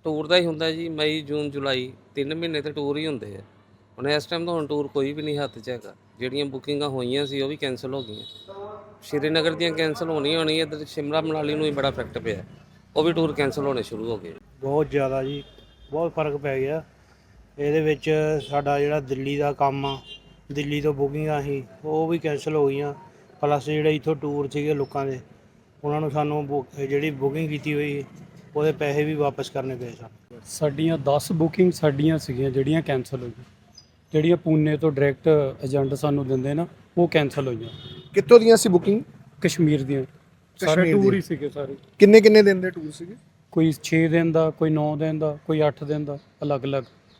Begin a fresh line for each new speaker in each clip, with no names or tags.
Tour ਦਾ ਹੀ ਹੁੰਦਾ ਜੀ। ਮਈ ਜੂਨ ਜੁਲਾਈ 3 ਮਹੀਨੇ ਤੇ ਟੂਰ ਹੀ ਹੁੰਦੇ ਆ। ਹੁਣ ਇਸ ਟਾਈਮ ਤਾਂ ਹੁਣ ਟੂਰ ਕੋਈ ਵੀ ਨਹੀਂ ਹੱਥ 'ਚ ਹੈਗਾ। ਜਿਹੜੀਆਂ ਬੁਕਿੰਗਾਂ ਹੋਈਆਂ ਸੀ ਉਹ ਵੀ ਕੈਂਸਲ ਹੋ ਗਈਆਂ। ਸ਼੍ਰੀਨਗਰ ਦੀਆਂ ਕੈਂਸਲ ਹੋਣੀ ਇੱਧਰ ਸ਼ਿਮਲਾ ਮਨਾਲੀ ਨੂੰ ਹੀ ਬੜਾ ਇਫੈਕਟ ਪਿਆ। ਉਹ ਵੀ ਟੂਰ ਕੈਂਸਲ ਹੋਣੇ ਸ਼ੁਰੂ ਹੋ ਗਏ।
ਬਹੁਤ ਜ਼ਿਆਦਾ ਜੀ, ਬਹੁਤ ਫਰਕ ਪੈ ਗਿਆ ਇਹਦੇ ਵਿੱਚ। ਸਾਡਾ ਜਿਹੜਾ ਦਿੱਲੀ ਦਾ ਕੰਮ ਆ, ਦਿੱਲੀ ਤੋਂ ਬੁਕਿੰਗਾਂ ਸੀ ਉਹ ਵੀ ਕੈਂਸਲ ਹੋ ਗਈਆਂ। ਪਲੱਸ ਜਿਹੜੇ ਇੱਥੋਂ ਟੂਰ ਸੀਗੇ ਲੋਕਾਂ ਦੇ, ਉਹਨਾਂ ਨੂੰ ਸਾਨੂੰ ਜਿਹੜੀ ਬੁਕਿੰਗ ਕੀਤੀ ਹੋਈ ਉਹਦੇ ਪੈਸੇ ਵੀ ਵਾਪਸ ਕਰਨੇ ਪਏ ਸਾਨੂੰ।
ਸਾਡੀਆਂ 10 ਬੁਕਿੰਗ ਸਾਡੀਆਂ ਸੀਗੀਆਂ ਜਿਹੜੀਆਂ ਕੈਂਸਲ ਹੋਈਆਂ। ਜਿਹੜੀਆਂ ਪੂਨੇ ਤੋਂ ਡਾਇਰੈਕਟ ਏਜੰਟ ਸਾਨੂੰ ਦਿੰਦੇ ਨਾ, ਉਹ ਕੈਂਸਲ ਹੋਈਆਂ।
ਕਿੱਥੋਂ ਦੀਆਂ ਸੀ ਬੁਕਿੰਗ?
ਕਸ਼ਮੀਰ ਦੀਆਂ। ਸਾਰੇ
ਕਸ਼ਮੀਰ
ਟੂਰ
ਦੀ?
ਹੀ ਸੀਗੇ ਸਾਰੇ।
ਕਿੰਨੇ ਕਿੰਨੇ ਦਿਨ ਦੇ ਟੂਰ ਸੀਗੇ?
ਕੋਈ 6 ਦਿਨ ਦਾ, ਕੋਈ 9 ਦਿਨ ਦਾ, ਕੋਈ 8 ਦਿਨ ਦਾ, ਅਲੱਗ-ਅਲੱਗ।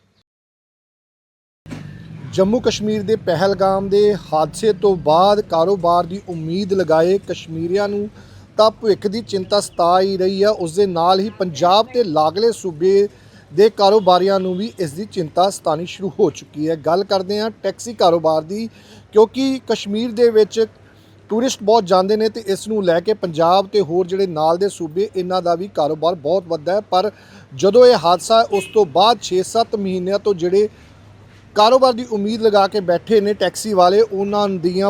ਜੰਮੂ ਕਸ਼ਮੀਰ ਦੇ ਪਹਿਲਗਾਮ ਦੇ ਹਾਦਸੇ ਤੋਂ ਬਾਅਦ ਕਾਰੋਬਾਰ ਦੀ ਉਮੀਦ ਲਗਾਏ ਕਸ਼ਮੀਰੀਆਂ ਨੂੰ ਤਾਂ ਭਵਿੱਖ ਦੀ ਚਿੰਤਾ ਸਤਾ ਹੀ ਰਹੀ ਆ। ਉਸ ਦੇ ਨਾਲ ਹੀ ਪੰਜਾਬ ਤੇ ਲਾਗਲੇ ਸੂਬੇ ਦੇ ਕਾਰੋਬਾਰੀਆਂ ਨੂੰ ਵੀ ਇਸ ਦੀ ਚਿੰਤਾ ਸਤਾਣੀ ਸ਼ੁਰੂ ਹੋ ਚੁੱਕੀ ਹੈ। ਗੱਲ ਕਰਦੇ ਹਾਂ ਟੈਕਸੀ ਕਾਰੋਬਾਰ ਦੀ, ਕਿਉਂਕਿ ਕਸ਼ਮੀਰ ਦੇ ਵਿੱਚ ਟੂਰਿਸਟ ਬਹੁਤ ਜਾਂਦੇ ਨੇ ਤੇ ਇਸ ਨੂੰ ਲੈ ਕੇ ਪੰਜਾਬ ਤੇ ਹੋਰ ਜਿਹੜੇ ਨਾਲ ਦੇ ਸੂਬੇ ਇਹਨਾਂ ਦਾ ਵੀ ਕਾਰੋਬਾਰ ਬਹੁਤ ਵੱਧਦਾ ਹੈ। ਪਰ ਜਦੋਂ ਇਹ ਹਾਦਸਾ ਉਸ ਤੋਂ ਬਾਅਦ 6-7 ਮਹੀਨਿਆਂ ਤੋਂ ਜਿਹੜੇ ਕਾਰੋਬਾਰ ਦੀ ਉਮੀਦ ਲਗਾ ਕੇ ਬੈਠੇ ਨੇ ਟੈਕਸੀ ਵਾਲੇ, ਉਹਨਾਂ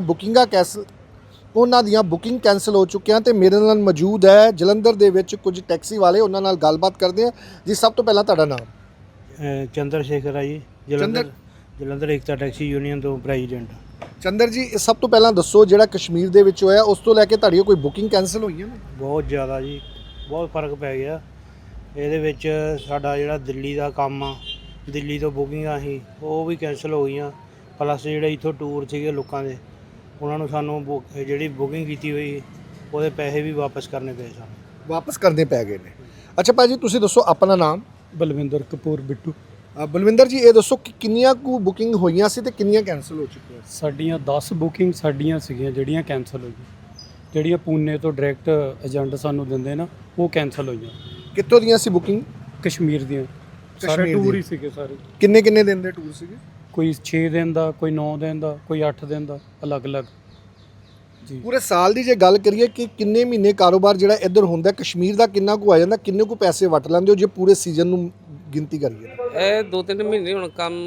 ਦੀਆਂ ਬੁਕਿੰਗ ਕੈਂਸਲ ਹੋ ਚੁੱਕੀਆਂ। ਤੇ ਮੇਰੇ ਨਾਲ ਮੌਜੂਦ ਹੈ ਜਲੰਧਰ ਦੇ ਵਿੱਚ ਕੁਝ ਟੈਕਸੀ ਵਾਲੇ, ਉਹਨਾਂ ਨਾਲ ਗੱਲਬਾਤ ਕਰਦੇ ਹਾਂ ਜੀ। ਸਭ ਤੋਂ ਪਹਿਲਾਂ ਤੁਹਾਡਾ ਨਾਮ?
ਚੰਦਰ ਸ਼ੇਖਰ ਆ ਜੀ, ਜਲੰਧਰ ਏਕਤਾ ਟੈਕਸੀ ਯੂਨੀਅਨ ਤੋਂ ਪ੍ਰੈਜ਼ੀਡੈਂਟ।
ਚੰਦਰ ਜੀ, ਸਭ ਤੋਂ ਪਹਿਲਾਂ ਦੱਸੋ ਜਿਹੜਾ ਕਸ਼ਮੀਰ ਦੇ ਵਿੱਚ ਹੋਇਆ ਉਸ ਤੋਂ ਲੈ ਕੇ ਤੁਹਾਡੀਆਂ ਕੋਈ ਬੁਕਿੰਗ ਕੈਂਸਲ ਹੋਈਆਂ ਨੇ?
ਬਹੁਤ ਜ਼ਿਆਦਾ ਜੀ, ਬਹੁਤ ਫਰਕ ਪੈ ਗਿਆ ਇਹਦੇ ਵਿੱਚ। ਸਾਡਾ ਜਿਹੜਾ ਦਿੱਲੀ ਦਾ ਕੰਮ ਆ, ਦਿੱਲੀ ਤੋਂ ਬੁਕਿੰਗਾਂ ਸੀ ਉਹ ਵੀ ਕੈਂਸਲ ਹੋ ਗਈਆਂ। ਪਲੱਸ ਜਿਹੜੇ ਇੱਥੋਂ ਟੂਰ ਸੀਗੇ ਲੋਕਾਂ ਦੇ, ਉਹਨਾਂ ਨੂੰ ਸਾਨੂੰ ਜਿਹੜੀ ਬੁਕਿੰਗ ਕੀਤੀ ਹੋਈ ਉਹਦੇ ਪੈਸੇ ਵੀ ਵਾਪਸ ਕਰਨੇ ਪਏ ਸਾਨੂੰ।
ਵਾਪਸ ਕਰਨੇ ਪੈ ਗਏ ਨੇ? ਅੱਛਾ ਭਾਜੀ, ਤੁਸੀਂ ਦੱਸੋ ਆਪਣਾ ਨਾਮ?
ਬਲਵਿੰਦਰ ਕਪੂਰ ਬਿੱਟੂ।
ਬਲਵਿੰਦਰ ਜੀ, ਇਹ ਦੱਸੋ ਕਿ ਕਿੰਨੀਆਂ ਕੁ ਬੁਕਿੰਗ ਹੋਈਆਂ ਸੀ ਤੇ ਕਿੰਨੀਆਂ ਕੈਂਸਲ ਹੋ ਚੁੱਕੀਆਂ?
ਸਾਡੀਆਂ 10 ਬੁਕਿੰਗ ਸਾਡੀਆਂ ਸੀਗੀਆਂ ਜਿਹੜੀਆਂ ਕੈਂਸਲ ਹੋਈਆਂ। ਜਿਹੜੀਆਂ ਪੂਨੇ ਤੋਂ ਡਾਇਰੈਕਟ ਏਜੰਟ ਸਾਨੂੰ ਦਿੰਦੇ ਨਾ, ਉਹ ਕੈਂਸਲ ਹੋਈਆਂ।
ਕਿੱਥੋਂ ਦੀਆਂ ਸੀ ਬੁਕਿੰਗ?
ਕਸ਼ਮੀਰ ਦੀਆਂ। ਸਾਰੇ
ਕਸ਼ਮੀਰ
ਟੂਰ
ਦੀ?
ਹੀ ਸੀਗੇ ਸਾਰੇ।
ਕਿੰਨੇ ਕਿੰਨੇ ਦਿਨ ਦੇ ਟੂਰ ਸੀਗੇ?
ਕੋਈ 6 ਦਿਨ ਦਾ, ਕੋਈ 9 ਦਿਨ ਦਾ, ਕੋਈ 8 ਦਿਨ ਦਾ, ਅਲੱਗ-ਅਲੱਗ ਜੀ।
ਪੂਰੇ ਸਾਲ ਦੀ ਜੇ ਗੱਲ ਕਰੀਏ ਕਿ ਕਿੰਨੇ ਮਹੀਨੇ ਕਾਰੋਬਾਰ ਜਿਹੜਾ ਇੱਧਰ ਹੁੰਦਾ, ਕਸ਼ਮੀਰ ਦਾ ਕਿੰਨਾ ਕੁ ਆ ਜਾਂਦਾ, ਕਿੰਨੇ ਕੁ ਪੈਸੇ ਵਟ ਲੈਂਦੇ ਹੋ ਜੇ ਪੂਰੇ ਸੀਜ਼ਨ ਨੂੰ ਗਿਣਤੀ ਕਰੀਏ?
ਇਹ 2-3 ਮਹੀਨੇ ਹੁਣ ਕੰਮ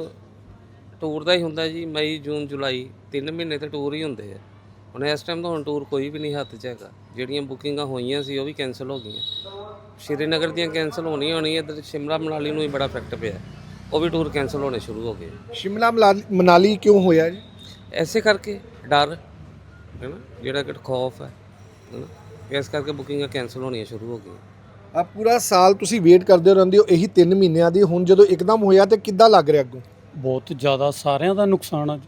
ਟੂਰ ਦਾ ਹੀ ਹੁੰਦਾ ਜੀ। ਮਈ ਜੂਨ ਜੁਲਾਈ 3 ਮਹੀਨੇ ਤੇ ਟੂਰ ਹੀ ਹੁੰਦੇ ਆ। ਹੁਣ ਇਸ ਟਾਈਮ ਤਾਂ ਹੁਣ ਟੂਰ ਕੋਈ ਵੀ ਨਹੀਂ ਹੱਥ 'ਚ ਹੈਗਾ। ਜਿਹੜੀਆਂ ਬੁਕਿੰਗਾਂ ਹੋਈਆਂ ਸੀ ਉਹ ਵੀ ਕੈਂਸਲ ਹੋ ਗਈਆਂ। ਸ਼੍ਰੀਨਗਰ ਦੀਆਂ ਕੈਂਸਲ ਹੋਣੀ ਇੱਧਰ ਸ਼ਿਮਲਾ ਮਨਾਲੀ ਨੂੰ ਹੀ ਬੜਾ ਇਫੈਕਟ ਪਿਆ। ਉਹ ਵੀ ਟੂਰ ਕੈਂਸਲ ਹੋਣੇ ਸ਼ੁਰੂ ਹੋ ਗਏ।
ਸ਼ਿਮਲਾ ਮਨਾਲੀ ਕਿਉਂ ਹੋਇਆ ਜੀ?
ਐਸੇ ਕਰਕੇ ਡਰ ਹੈ ਨਾ, ਜਿਹੜਾ ਕਿ ਖੌਫ ਹੈ ਨਾ, ਇਸ ਕਰਕੇ ਬੁਕਿੰਗਾਂ ਕੈਂਸਲ ਹੋਣੀਆਂ ਸ਼ੁਰੂ ਹੋ ਗਈਆਂ।
ਪੂਰਾ ਸਾਲ ਤੁਸੀਂ ਵੇਟ ਕਰਦੇ ਰਹਿੰਦੇ ਹੋ ਇਹੀ 3 ਮਹੀਨਿਆਂ ਦੀ, ਹੁਣ ਜਦੋਂ ਇੱਕਦਮ ਹੋਇਆ ਤੇ ਕਿੱਦਾਂ ਲੱਗ ਰਿਹਾ ਅੱਗੋਂ?
ਬਹੁਤ ਜ਼ਿਆਦਾ ਸਾਰਿਆਂ ਦਾ ਨੁਕਸਾਨ ਆ।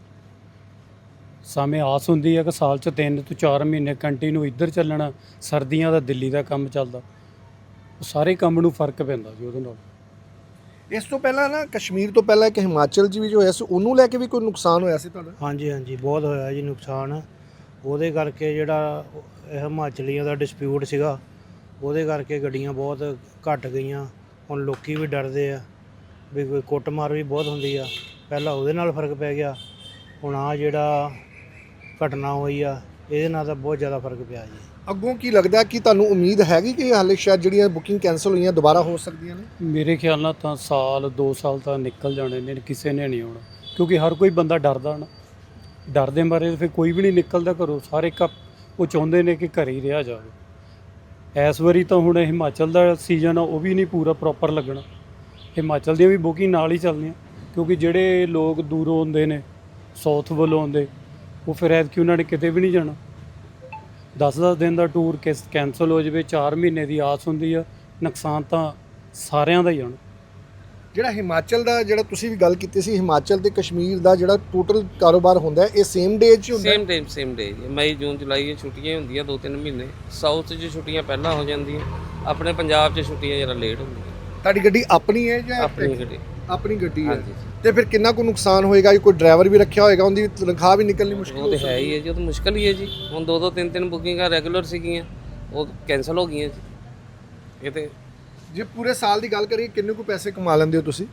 ਸਾਵੇਂ ਆਸ ਹੁੰਦੀ ਹੈ ਕਿ ਸਾਲ 'ਚ 3 ਤੋਂ 4 ਮਹੀਨੇ ਕੰਟੀਨਿਊ ਇੱਧਰ ਚੱਲਣਾ। ਸਰਦੀਆਂ ਦਾ ਦਿੱਲੀ ਦਾ ਕੰਮ ਚੱਲਦਾ, ਉਹ ਸਾਰੇ ਕੰਮ ਨੂੰ ਫਰਕ ਪੈਂਦਾ ਜੀ ਉਹਦੇ ਨਾਲ।
ਇਸ ਤੋਂ ਪਹਿਲਾਂ ਨਾ ਕਸ਼ਮੀਰ ਤੋਂ ਪਹਿਲਾਂ ਇੱਕ ਹਿਮਾਚਲ 'ਚ ਵੀ ਜੋ ਹੋਇਆ ਸੀ, ਉਹਨੂੰ ਲੈ ਕੇ ਵੀ ਕੋਈ ਨੁਕਸਾਨ ਹੋਇਆ ਸੀ ਤੁਹਾਡਾ?
ਹਾਂਜੀ, ਬਹੁਤ ਹੋਇਆ ਜੀ ਨੁਕਸਾਨ। ਉਹਦੇ ਕਰਕੇ ਜਿਹੜਾ ਹਿਮਾਚਲੀਆਂ ਦਾ ਡਿਸਪਿਊਟ ਸੀਗਾ, ਉਹਦੇ ਕਰਕੇ ਗੱਡੀਆਂ ਬਹੁਤ ਘੱਟ ਗਈਆਂ। ਹੁਣ ਲੋਕੀ ਵੀ ਡਰਦੇ ਆ ਵੀ ਕੋਈ ਕੁੱਟਮਾਰ ਵੀ ਬਹੁਤ ਹੁੰਦੀ ਆ। ਪਹਿਲਾਂ ਉਹਦੇ ਨਾਲ ਫਰਕ ਪੈ ਗਿਆ, ਹੁਣ ਆ ਜਿਹੜਾ ਘਟਨਾ ਹੋਈ ਆ ਇਹਦੇ ਨਾਲ ਤਾਂ ਬਹੁਤ ਜ਼ਿਆਦਾ ਫਰਕ ਪਿਆ ਜੀ।
ਅੱਗੋਂ ਕੀ ਲੱਗਦਾ ਕਿ ਤੁਹਾਨੂੰ ਉਮੀਦ ਹੈਗੀ ਕਿ ਹਾਲੇ ਸ਼ਾਇਦ ਜਿਹੜੀਆਂ ਬੁਕਿੰਗ ਕੈਂਸਲ ਹੋਈਆਂ ਦੁਬਾਰਾ ਹੋ ਸਕਦੀਆਂ ਨੇ?
ਮੇਰੇ ਖਿਆਲ ਨਾਲ ਤਾਂ ਸਾਲ 2 ਸਾਲ ਤਾਂ ਨਿਕਲ ਜਾਣੇ ਨੇ, ਕਿਸੇ ਨੇ ਨਹੀਂ ਆਉਣਾ। ਕਿਉਂਕਿ ਹਰ ਕੋਈ ਬੰਦਾ ਡਰਦਾ ਨਾ, ਡਰ ਦੇ ਮਾਰੇ ਫਿਰ ਕੋਈ ਵੀ ਨਹੀਂ ਨਿਕਲਦਾ ਘਰੋਂ। ਸਾਰੇ ਉਹ ਚਾਹੁੰਦੇ ਨੇ ਕਿ ਘਰੇ ਹੀ ਰਿਹਾ ਜਾਵੇ। ਇਸ ਵਾਰੀ ਤਾਂ ਹੁਣ ਹਿਮਾਚਲ ਦਾ ਸੀਜ਼ਨ ਆ, ਉਹ ਵੀ ਨਹੀਂ ਪੂਰਾ ਪ੍ਰੋਪਰ ਲੱਗਣਾ। ਹਿਮਾਚਲ ਦੀਆਂ ਵੀ ਬੁਕਿੰਗ ਨਾਲ ਹੀ ਚੱਲਦੀਆਂ, ਕਿਉਂਕਿ ਜਿਹੜੇ ਲੋਕ ਦੂਰੋਂ ਆਉਂਦੇ ਨੇ, ਸਾਊਥ ਵੱਲੋਂ ਆਉਂਦੇ, ਉਹ ਫਿਰ ਐਤਕੀ ਉਹਨਾਂ ਨੇ ਕਿਤੇ ਵੀ ਨਹੀਂ ਜਾਣਾ। 10-10 ਦਿਨ ਦਾ ਟੂਰ ਕੈਂਸਲ ਹੋ ਜਾਵੇ, 4 ਮਹੀਨੇ ਦੀ ਆਸ ਹੁੰਦੀ ਆ। ਨੁਕਸਾਨ ਤਾਂ ਸਾਰਿਆਂ ਦਾ ਹੀ ਆਉਣਾ।
ਜਿਹੜਾ ਹਿਮਾਚਲ ਦਾ, ਜਿਹੜਾ ਤੁਸੀਂ ਵੀ ਗੱਲ ਕੀਤੀ ਸੀ, ਹਿਮਾਚਲ ਤੇ ਕਸ਼ਮੀਰ ਦਾ ਜਿਹੜਾ ਟੋਟਲ ਕਾਰੋਬਾਰ ਹੁੰਦਾ ਹੈ, ਇਹ ਸੇਮ ਡੇ 'ਚ ਹੁੰਦਾ?
Same day. ਮਈ ਜੂਨ ਜੁਲਾਈ 'ਚ ਛੁੱਟੀਆਂ ਹੁੰਦੀਆਂ 2-3 ਮਹੀਨੇ। ਸਾਊਥ 'ਚ ਛੁੱਟੀਆਂ ਪਹਿਲਾਂ ਹੋ ਜਾਂਦੀਆਂ, ਆਪਣੇ ਪੰਜਾਬ 'ਚ ਛੁੱਟੀਆਂ ਜਰਾ ਲੇਟ ਹੁੰਦੀਆਂ।
ਤੁਹਾਡੀ ਗੱਡੀ ਆਪਣੀ ਹੈ ਜਾਂ?
ਆਪਣੀ ਗੱਡੀ।
ਆਪਣੀ ਗੱਡੀ ਹੈ।
ਹਾਂਜੀ।
ਤੇ ਫਿਰ ਕਿੰਨਾ ਕੁ ਨੁਕਸਾਨ ਹੋਏਗਾ? ਕੋਈ ਡਰਾਈਵਰ ਵੀ ਰੱਖਿਆ ਹੋਏਗਾ, ਉਹਦੀ ਤਨਖਾਹ ਵੀ ਨਿਕਲਣੀ ਮੁਸ਼ਕਿਲ
ਉਹ ਤਾਂ ਹੈ ਹੀ ਹੈ ਜੀ, ਉਹ ਤਾਂ ਮੁਸ਼ਕਿਲ ਹੀ ਹੈ ਜੀ। ਹੁਣ 2-2 3-3 ਬੁਕਿੰਗਾਂ ਰੈਗੂਲਰ ਸੀਗੀਆਂ, ਉਹ ਕੈਂਸਲ ਹੋ ਗਈਆਂ ਜੀ। ਇਹ ਤੇ
ਜੇ ਪੂਰੇ ਸਾਲ ਦੀ ਗੱਲ ਕਰੀਏ ਕਿੰਨੇ ਕੁ ਪੈਸੇ ਕਮਾ ਲੈਂਦੇ ਹੋ ਤੁਸੀਂ?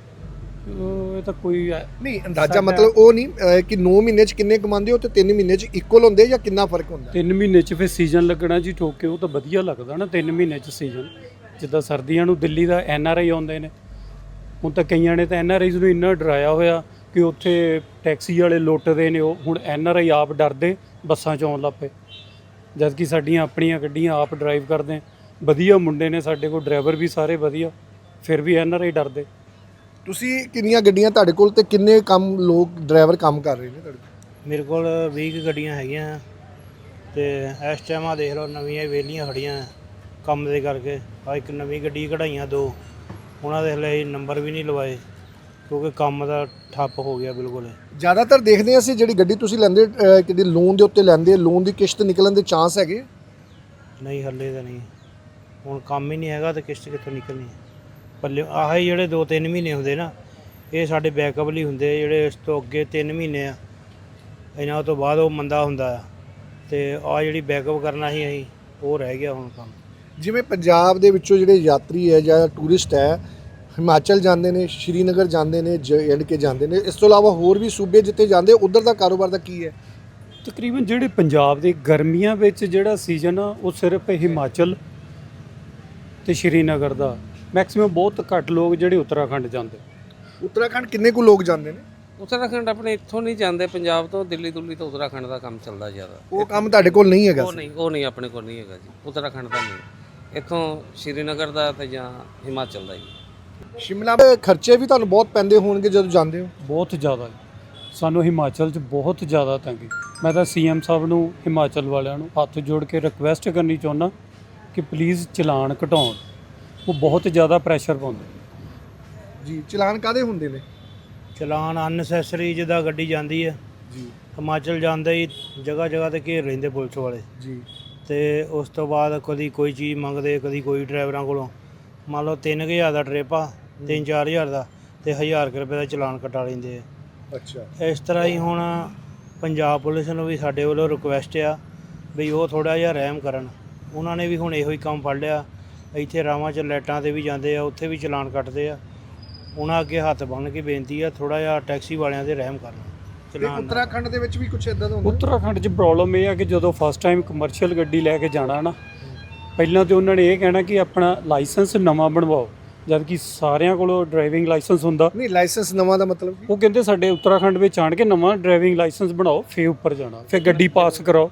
ਇਹ ਤਾਂ ਕੋਈ
ਨਹੀਂ ਅੰਦਾਜ਼ਾ, ਮਤਲਬ ਉਹ ਨਹੀਂ ਕਿ 9 ਮਹੀਨੇ 'ਚ ਕਿੰਨੇ ਕਮਾਉਂਦੇ ਹੋ ਤੇ 3 ਮਹੀਨੇ 'ਚ ਇਕੁਅਲ ਹੁੰਦੇ ਜਾਂ ਕਿੰਨਾ ਫਰਕ ਹੁੰਦਾ?
3 ਮਹੀਨੇ 'ਚ ਫਿਰ ਸੀਜ਼ਨ ਲੱਗਣਾ ਜੀ ਠੋਕ ਕੇ, ਉਹ ਤਾਂ ਵਧੀਆ ਲੱਗਦਾ ਨਾ 3 ਮਹੀਨੇ 'ਚ ਸੀਜ਼ਨ। ਜਿੱਦਾਂ ਸਰਦੀਆਂ ਨੂੰ ਦਿੱਲੀ ਦਾ NRI ਆਉਂਦੇ ਨੇ, ਹੁਣ ਤਾਂ ਕਈਆਂ ਨੇ ਤਾਂ NRIs ਨੂੰ ਇੰਨਾ ਡਰਾਇਆ ਹੋਇਆ ਕਿ ਉੱਥੇ ਟੈਕਸੀ ਵਾਲੇ ਲੁੱਟਦੇ ਨੇ, ਉਹ ਹੁਣ NRI ਆਪ ਡਰਦੇ ਬੱਸਾਂ 'ਚ ਆਉਣ ਲੱਗ ਪਏ, ਜਦ ਕਿ ਸਾਡੀਆਂ ਆਪਣੀਆਂ ਗੱਡੀਆਂ ਆਪ ਡਰਾਈਵ ਕਰਦੇ, ਵਧੀਆ ਮੁੰਡੇ ਨੇ ਸਾਡੇ ਕੋਲ, ਡਰਾਈਵਰ ਵੀ ਸਾਰੇ ਵਧੀਆ, ਫਿਰ ਵੀ NRI ਡਰਦੇ।
ਤੁਸੀਂ ਕਿੰਨੀਆਂ ਗੱਡੀਆਂ ਤੁਹਾਡੇ ਕੋਲ ਤੇ ਕਿੰਨੇ ਲੋਕ ਡਰਾਈਵਰ ਕੰਮ ਕਰ ਰਹੇ ਨੇ ਤੁਹਾਡੇ ਕੋਲ?
ਮੇਰੇ ਕੋਲ 20 ਕੁ ਗੱਡੀਆਂ ਹੈਗੀਆਂ ਤੇ ਇਸ ਟਾਈਮ ਆ ਦੇਖ ਲਓ ਨਵੀਆਂ ਵਿਹਲੀਆਂ ਖੜੀਆਂ ਕੰਮ ਦੇ ਕਰਕੇ। ਆ ਇੱਕ ਨਵੀਂ ਗੱਡੀ ਕਢਾਈਆਂ 2, ਉਹਨਾਂ ਦੇ ਹਲੇ ਨੰਬਰ ਵੀ ਨਹੀਂ ਲਵਾਏ ਕਿਉਂਕਿ ਕੰਮ ਦਾ ਠੱਪ ਹੋ ਗਿਆ ਬਿਲਕੁਲ।
ਜ਼ਿਆਦਾਤਰ ਦੇਖਦੇ ਹਾਂ ਅਸੀਂ ਜਿਹੜੀ ਗੱਡੀ ਤੁਸੀਂ ਲੈਂਦੇ ਕਿਹੜੀ ਲੋਨ ਦੇ ਉੱਤੇ ਲੈਂਦੇ, ਲੋਨ ਦੀ ਕਿਸ਼ਤ ਨਿਕਲਣ ਦੇ ਚਾਂਸ ਹੈਗੇ?
ਨਹੀਂ ਹੱਲੇ ਤਾਂ ਨਹੀਂ, ਹੁਣ ਕੰਮ ਹੀ ਨਹੀਂ ਹੈਗਾ ਤੇ ਕਿਸ਼ਤ ਕਿੱਥੋਂ ਨਿਕਲਣੀ ਹੈ ਪੱਲੇ। ਆਹ ਜਿਹੜੇ 2-3 ਮਹੀਨੇ ਹੁੰਦੇ ਨਾ, ਇਹ ਸਾਡੇ ਬੈਕਅਪ ਲਈ ਹੁੰਦੇ, ਜਿਹੜੇ ਇਸ ਤੋਂ ਅੱਗੇ 3 ਮਹੀਨੇ ਆ ਇਹਨਾਂ ਤੋਂ ਬਾਅਦ ਉਹ ਮੰਦਾ ਹੁੰਦਾ ਆ, ਤੇ ਆਹ ਜਿਹੜੀ ਬੈਕਅਪ ਕਰਨਾ ਸੀ ਅਸੀਂ ਉਹ ਰਹਿ ਗਿਆ ਹੁਣ ਕੰਮ।
ਜਿਵੇਂ ਪੰਜਾਬ ਦੇ ਵਿੱਚੋਂ ਜਿਹੜੇ ਯਾਤਰੀ ਹੈ ਜਾਂ ਟੂਰਿਸਟ ਹੈ ਹਿਮਾਚਲ ਜਾਂਦੇ ਨੇ, ਸ਼੍ਰੀਨਗਰ ਜਾਂਦੇ ਨੇ, JNK ਜਾਂਦੇ ਨੇ, ਇਸ ਤੋਂ ਇਲਾਵਾ ਹੋਰ ਵੀ ਸੂਬੇ ਜਿੱਥੇ ਜਾਂਦੇ, ਉਧਰ ਦਾ ਕਾਰੋਬਾਰ ਦਾ ਕੀ ਹੈ?
ਤਕਰੀਬਨ ਜਿਹੜੇ ਪੰਜਾਬ ਦੇ ਗਰਮੀਆਂ ਵਿੱਚ ਜਿਹੜਾ ਸੀਜ਼ਨ ਆ ਉਹ ਸਿਰਫ ਹਿਮਾਚਲ ਤੇ ਸ਼੍ਰੀਨਗਰ ਦਾ, ਮੈਕਸਿਮਮ ਬਹੁਤ ਘੱਟ ਲੋਕ ਜਿਹੜੇ ਉੱਤਰਾਖੰਡ ਜਾਂਦੇ।
ਉੱਤਰਾਖੰਡ ਕਿੰਨੇ ਕੁ ਲੋਕ ਜਾਂਦੇ ਨੇ?
ਉੱਤਰਾਖੰਡ ਆਪਣੇ ਇੱਥੋਂ ਨਹੀਂ ਜਾਂਦੇ, ਪੰਜਾਬ ਤੋਂ, ਦਿੱਲੀ ਦੁੱਲੀ ਤੋਂ ਉੱਤਰਾਖੰਡ ਦਾ ਕੰਮ ਚੱਲਦਾ ਜ਼ਿਆਦਾ।
ਉਹ ਕੰਮ ਤੁਹਾਡੇ ਕੋਲ ਨਹੀਂ ਹੈਗਾ?
ਉਹ ਨਹੀਂ ਆਪਣੇ ਕੋਲ ਨਹੀਂ ਹੈਗਾ ਜੀ, ਉੱਤਰਾਖੰਡ ਦਾ ਨਹੀਂ, ਇੱਥੋਂ ਸ਼੍ਰੀਨਗਰ ਦਾ ਤੇ ਜਾਂ ਹਿਮਾਚਲ ਦਾ ਜੀ।
ਸ਼ਿਮਲਾ ਦੇ ਖਰਚੇ ਵੀ ਤੁਹਾਨੂੰ ਬਹੁਤ ਪੈਂਦੇ ਹੋਣਗੇ ਜਦੋਂ ਜਾਂਦੇ ਹੋ?
ਬਹੁਤ ਜ਼ਿਆਦਾ, ਸਾਨੂੰ ਹਿਮਾਚਲ 'ਚ ਬਹੁਤ ਜ਼ਿਆਦਾ ਤੰਗੀ। ਮੈਂ ਤਾਂ CM ਸਾਹਿਬ ਨੂੰ, ਹਿਮਾਚਲ ਵਾਲਿਆਂ ਨੂੰ ਹੱਥ ਜੋੜ ਕੇ ਰਿਕੁਐਸਟ ਕਰਨੀ ਚਾਹੁੰਦਾ ਕਿ ਪਲੀਜ਼ ਚਲਾਨ ਘਟਾਉਣ, ਉਹ ਬਹੁਤ ਜ਼ਿਆਦਾ ਪ੍ਰੈਸ਼ਰ ਪਾਉਂਦੇ
ਜੀ। ਚਲਾਨ ਕਾਹਦੇ ਹੁੰਦੇ ਨੇ?
ਚਲਾਨ ਅਨਨੈਸੈਸਰੀ ਜਿੱਦਾਂ ਗੱਡੀ ਜਾਂਦੀ ਹੈ
ਜੀ
ਹਿਮਾਚਲ ਜਾਂਦੇ ਹੀ ਜਗ੍ਹਾ ਜਗ੍ਹਾ ਤੇ ਘੇਰ ਲੈਂਦੇ ਪੁਲਿਸ ਵਾਲੇ,
ਜੀ।
ਤੇ ਉਸ ਤੋਂ ਬਾਅਦ ਕਦੀ ਕੋਈ ਚੀਜ਼ ਮੰਗਦੇ, ਕਦੀ ਕੋਈ ਡਰਾਈਵਰਾਂ ਕੋਲੋਂ। ਮੰਨ ਲਓ 3000 ਦਾ ਟ੍ਰਿਪ ਆ, 3-4000 ਦਾ, ਤੇ 1000 ਰੁਪਏ ਦਾ ਚਲਾਨ ਕਟਾ ਲੈਂਦੇ ਆ।
ਅੱਛਾ।
ਇਸ ਤਰ੍ਹਾਂ ਹੀ ਹੁਣ ਪੰਜਾਬ ਪੁਲਿਸ ਨੂੰ ਵੀ ਸਾਡੇ ਵੱਲੋਂ ਰਿਕੁਐਸਟ ਆ ਵੀ ਉਹ ਥੋੜ੍ਹਾ ਜਿਹਾ ਰਹਿਮ ਕਰਨ। ਉਹਨਾਂ ਨੇ ਵੀ ਹੁਣ ਇਹੋ ਹੀ ਕੰਮ ਫੜ ਲਿਆ, ਇੱਥੇ ਰਾਵਾਂ 'ਚ ਲਾਈਟਾਂ 'ਤੇ ਵੀ ਜਾਂਦੇ ਆ, ਉੱਥੇ ਵੀ ਚਲਾਨ ਕੱਟਦੇ ਆ। ਉਹਨਾਂ ਅੱਗੇ ਹੱਥ ਬੰਨ੍ਹ ਕੇ ਬੇਨਤੀ ਆ ਥੋੜ੍ਹਾ ਜਿਹਾ ਟੈਕਸੀ ਵਾਲਿਆਂ 'ਤੇ ਰਹਿਮ ਕਰਨ। ਚਲਾਨ
ਉੱਤਰਾਖੰਡ ਦੇ ਵਿੱਚ ਵੀ ਕੁਝ ਇਦਾਂ ਦਾ ਹੁੰਦਾ?
ਉੱਤਰਾਖੰਡ 'ਚ ਪ੍ਰੋਬਲਮ ਇਹ ਆ ਕਿ ਜਦੋਂ ਫਸਟ ਟਾਈਮ ਕਮਰਸ਼ੀਅਲ ਗੱਡੀ ਲੈ ਕੇ ਜਾਣਾ ਨਾ, ਪਹਿਲਾਂ ਤਾਂ ਉਹਨਾਂ ਨੇ ਇਹ ਕਹਿਣਾ ਕਿ ਆਪਣਾ ਲਾਇਸੈਂਸ ਨਵਾਂ ਬਣਵਾਓ, ਜਦ ਕਿ ਸਾਰਿਆਂ ਕੋਲੋਂ ਡਰਾਈਵਿੰਗ ਲਾਇਸੈਂਸ ਹੁੰਦਾ।
ਨਹੀਂ, ਲਾਇਸੈਂਸ ਨਵਾਂ ਦਾ ਮਤਲਬ ਕੀ?
ਉਹ ਕਹਿੰਦੇ ਸਾਡੇ ਉੱਤਰਾਖੰਡ ਵਿੱਚ ਆਣ ਕੇ ਨਵਾਂ ਡਰਾਈਵਿੰਗ ਲਾਇਸੈਂਸ ਬਣਾਓ, ਫਿਰ ਉੱਪਰ ਜਾਣਾ, ਫਿਰ ਗੱਡੀ ਪਾਸ ਕਰਾਓ।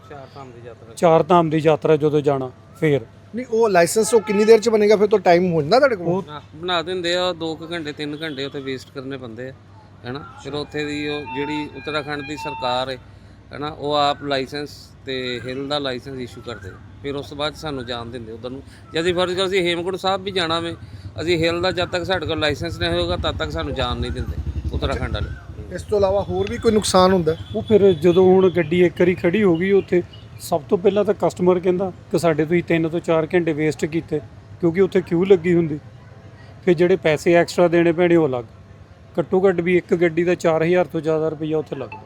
4 ਧਾਮ ਦੀ ਯਾਤਰਾ ਜਦੋਂ ਜਾਣਾ ਫਿਰ।
ਨਹੀਂ, ਉਹ ਲਾਇਸੈਂਸ ਉਹ ਕਿੰਨੀ ਦੇਰ ਚ ਬਣੇਗਾ? ਫਿਰ ਤਾਂ ਟਾਈਮ ਹੋ ਜਾਂਦਾ ਤੁਹਾਡੇ ਕੋਲ?
ਬਣਾ ਦਿੰਦੇ ਆ, 2 ਘੰਟੇ 3 ਘੰਟੇ ਉੱਥੇ ਵੇਸਟ ਕਰਨੇ ਪੈਂਦੇ ਆ, ਹੈਨਾ। ਫਿਰ ਉੱਥੇ ਦੀ ਉਹ ਜਿਹੜੀ ਉੱਤਰਾਖੰਡ ਦੀ ਸਰਕਾਰ ਹੈ ਹੈਨਾ, ਉਹ ਆਪ ਲਾਇਸੈਂਸ ਤੇ ਹਿਲ ਦਾ ਲਾਇਸੈਂਸ ਇਸ਼ੂ ਕਰਦੇ, ਫਿਰ ਉਸ ਤੋਂ ਬਾਅਦ ਸਾਨੂੰ ਜਾਣ ਦਿੰਦੇ ਉੱਧਰ ਨੂੰ। ਜੇ ਅਸੀਂ ਫਰਜ਼ ਕਰ ਅਸੀਂ ਹੇਮਕੁੰਟ ਸਾਹਿਬ ਵੀ ਜਾਣਾ ਵੇ, ਅਸੀਂ ਹਿਲ ਦਾ ਜਦ ਤੱਕ ਸਾਡੇ ਕੋਲ ਲਾਇਸੈਂਸ ਨਹੀਂ ਹੋਏਗਾ ਤਦ ਤੱਕ ਸਾਨੂੰ ਜਾਣ ਨਹੀਂ ਦਿੰਦੇ ਉੱਤਰਾਖੰਡ ਵਾਲੇ।
ਇਸ ਤੋਂ ਇਲਾਵਾ ਹੋਰ ਵੀ ਕੋਈ ਨੁਕਸਾਨ ਹੁੰਦਾ?
ਉਹ ਫਿਰ ਜਦੋਂ ਹੁਣ ਗੱਡੀ ਇੱਕ ਵਾਰੀ ਖੜੀ ਹੋ ਗਈ ਉੱਥੇ, ਸਭ ਤੋਂ ਪਹਿਲਾਂ ਤਾਂ ਕਸਟਮਰ ਕਹਿੰਦਾ ਕਿ ਸਾਡੇ ਤੁਸੀਂ 3 ਤੋਂ 4 ਘੰਟੇ ਵੇਸਟ ਕੀਤੇ, ਕਿਉਂਕਿ ਉੱਥੇ ਕਿਊ ਲੱਗੀ ਹੁੰਦੀ। ਫਿਰ ਜਿਹੜੇ ਪੈਸੇ ਐਕਸਟਰਾ ਦੇਣੇ ਪੈਣੇ ਉਹ ਅਲੱਗ। ਘੱਟੋ ਘੱਟ ਵੀ ਇੱਕ ਗੱਡੀ ਦਾ 4000 ਤੋਂ ਜ਼ਿਆਦਾ ਰੁਪਈਆ ਉੱਥੇ ਲੱਗਦਾ।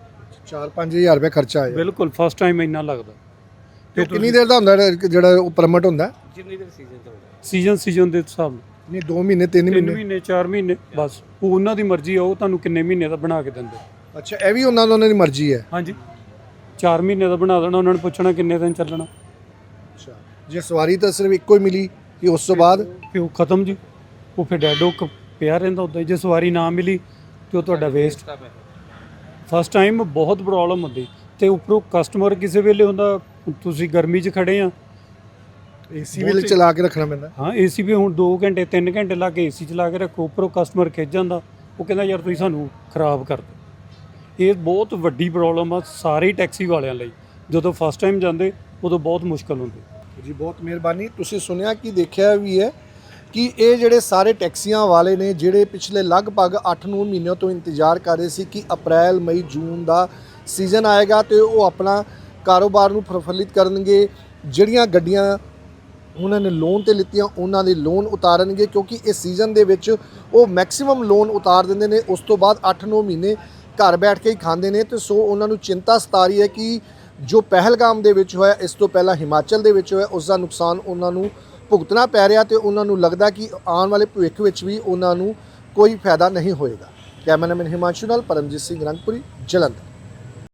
4-5000 ਰੁਪਏ ਖਰਚਾ ਆਇਆ?
ਬਿਲਕੁਲ, ਫਸਟ ਟਾਈਮ ਇੰਨਾ ਲੱਗਦਾ।
ਤੇ ਕਿੰਨੀ ਦੇਰ ਦਾ ਹੁੰਦਾ ਜਿਹੜਾ ਉਹ ਪਰਮਿਟ ਹੁੰਦਾ?
ਜਿੰਨੀ ਦੇਰ ਸੀਜ਼ਨ ਚੱਲਦਾ,
ਸੀਜ਼ਨ ਦੇ ਹਿਸਾਬ ਨਾਲ।
ਨਹੀਂ, 2 ਮਹੀਨੇ 3
3 ਮਹੀਨੇ 4 ਮਹੀਨੇ ਬਸ, ਉਹ ਉਹਨਾਂ ਦੀ ਮਰਜ਼ੀ ਆ, ਉਹ ਤੁਹਾਨੂੰ ਕਿੰਨੇ ਮਹੀਨੇ ਦਾ ਬਣਾ ਕੇ ਦਿੰਦੇ।
ਅੱਛਾ, ਇਹ ਵੀ ਉਹਨਾਂ ਦੀ ਮਰਜ਼ੀ ਹੈ?
ਹਾਂਜੀ, 4 ਮਹੀਨੇ ਦਾ ਬਣਾ ਦੇਣਾ, ਉਹਨਾਂ ਨੇ ਪੁੱਛਣਾ ਕਿੰਨੇ ਦਿਨ ਚੱਲਣਾ।
ਅੱਛਾ, ਜੇ ਸਵਾਰੀ ਤਾਂ ਸਿਰਫ ਇੱਕੋ ਹੀ ਮਿਲੀ ਕਿ ਉਸ ਤੋਂ ਬਾਅਦ
ਫਿਰ ਉਹ ਖਤਮ ਜੀ, ਉਹ ਫਿਰ ਡੈਡੋ ਪਿਆ ਰਹਿੰਦਾ ਉੱਦਾਂ ਹੀ। ਜੇ ਸਵਾਰੀ ਨਾ ਮਿਲੀ ਤੇ ਉਹ ਤੁਹਾਡਾ ਵੇਸਟ। ਫਸਟ ਟਾਈਮ ਬਹੁਤ ਪ੍ਰੋਬਲਮ ਹੁੰਦੀ, ਤੇ ਉੱਪਰੋਂ ਕਸਟਮਰ ਕਿਸੇ ਵੇਲੇ ਹੁੰਦਾ, ਤੁਸੀਂ ਗਰਮੀ 'ਚ ਖੜੇ ਆ,
AC ਵੀ ਚਲਾ ਕੇ ਰੱਖਣਾ ਪੈਂਦਾ।
ਹਾਂ, AC ਵੀ ਹੁਣ 2 ਘੰਟੇ 3 ਘੰਟੇ ਲਾ ਕੇ AC ਚਲਾ ਕੇ ਰੱਖੋ, ਉੱਪਰੋਂ ਕਸਟਮਰ ਖਿੱਚ ਜਾਂਦਾ, ਉਹ ਕਹਿੰਦਾ ਯਾਰ ਤੁਸੀਂ ਸਾਨੂੰ ਖਰਾਬ ਕਰ ਦਿਓ। ਇਹ ਬਹੁਤ ਵੱਡੀ ਪ੍ਰੋਬਲਮ ਆ ਸਾਰੇ ਟੈਕਸੀ ਵਾਲਿਆਂ ਲਈ। ਜਦੋਂ ਫਸਟ ਟਾਈਮ ਜਾਂਦੇ ਉਦੋਂ ਬਹੁਤ ਮੁਸ਼ਕਲ ਹੁੰਦੀ
ਜੀ। ਬਹੁਤ ਮਿਹਰਬਾਨੀ। ਤੁਸੀਂ ਸੁਣਿਆ ਕਿ ਦੇਖਿਆ ਵੀ ਹੈ ਕਿ ਇਹ ਜਿਹੜੇ ਸਾਰੇ ਟੈਕਸੀਆਂ ਵਾਲੇ ਨੇ ਜਿਹੜੇ ਪਿਛਲੇ ਲਗਭਗ 8-9 ਮਹੀਨਿਆਂ ਤੋਂ ਇੰਤਜ਼ਾਰ ਕਰ ਰਹੇ ਸੀ ਕਿ ਅਪ੍ਰੈਲ ਮਈ ਜੂਨ ਦਾ ਸੀਜ਼ਨ ਆਏਗਾ ਤੇ ਉਹ ਆਪਣਾ ਕਾਰੋਬਾਰ ਨੂੰ ਪ੍ਰਫੁੱਲਿਤ ਕਰਨਗੇ। ਜਿਹੜੀਆਂ ਗੱਡੀਆਂ ਉਹਨਾਂ ਨੇ ਲੋਨ ਤੇ ਲਿੱਤੀਆਂ ਉਹਨਾਂ ਦੇ ਲੋਨ ਉਤਾਰਨਗੇ, ਕਿਉਂਕਿ ਇਸ ਸੀਜ਼ਨ ਦੇ ਵਿੱਚ ਉਹ ਮੈਕਸਿਮਮ ਲੋਨ ਉਤਾਰ ਦਿੰਦੇ ਨੇ। ਉਸ ਤੋਂ ਬਾਅਦ 8-9 ਮਹੀਨੇ ਘਰ ਬੈਠ ਕੇ ਹੀ ਖਾਂਦੇ ਨੇ। ਤੇ ਸੋ ਉਹਨਾਂ ਨੂੰ ਚਿੰਤਾ ਸਤਾ ਰਹੀ ਹੈ ਕਿ ਜੋ ਪਹਿਲਗਾਮ ਦੇ ਵਿੱਚ ਹੋਇਆ, ਇਸ ਤੋਂ ਪਹਿਲਾਂ ਹਿਮਾਚਲ ਦੇ ਵਿੱਚ ਹੋਇਆ, ਉਸ ਦਾ ਨੁਕਸਾਨ ਉਹਨਾਂ ਨੂੰ ਭੁਗਤਣਾ ਪੈ ਰਿਹਾ ਤੇ ਉਹਨਾਂ ਨੂੰ ਲੱਗਦਾ ਕਿ ਆਉਣ ਵਾਲੇ ਭਵਿੱਖ ਵਿੱਚ ਵੀ ਉਹਨਾਂ ਨੂੰ ਕੋਈ ਫਾਇਦਾ ਨਹੀਂ ਹੋਏਗਾ। ਕੈਮਰਾਮੈਨ ਹਿਮਾਂਸ਼ੂ ਨਾਲ ਪਰਮਜੀਤ ਸਿੰਘ ਰੰਗਪੁਰੀ, ਜਲੰਧਰ।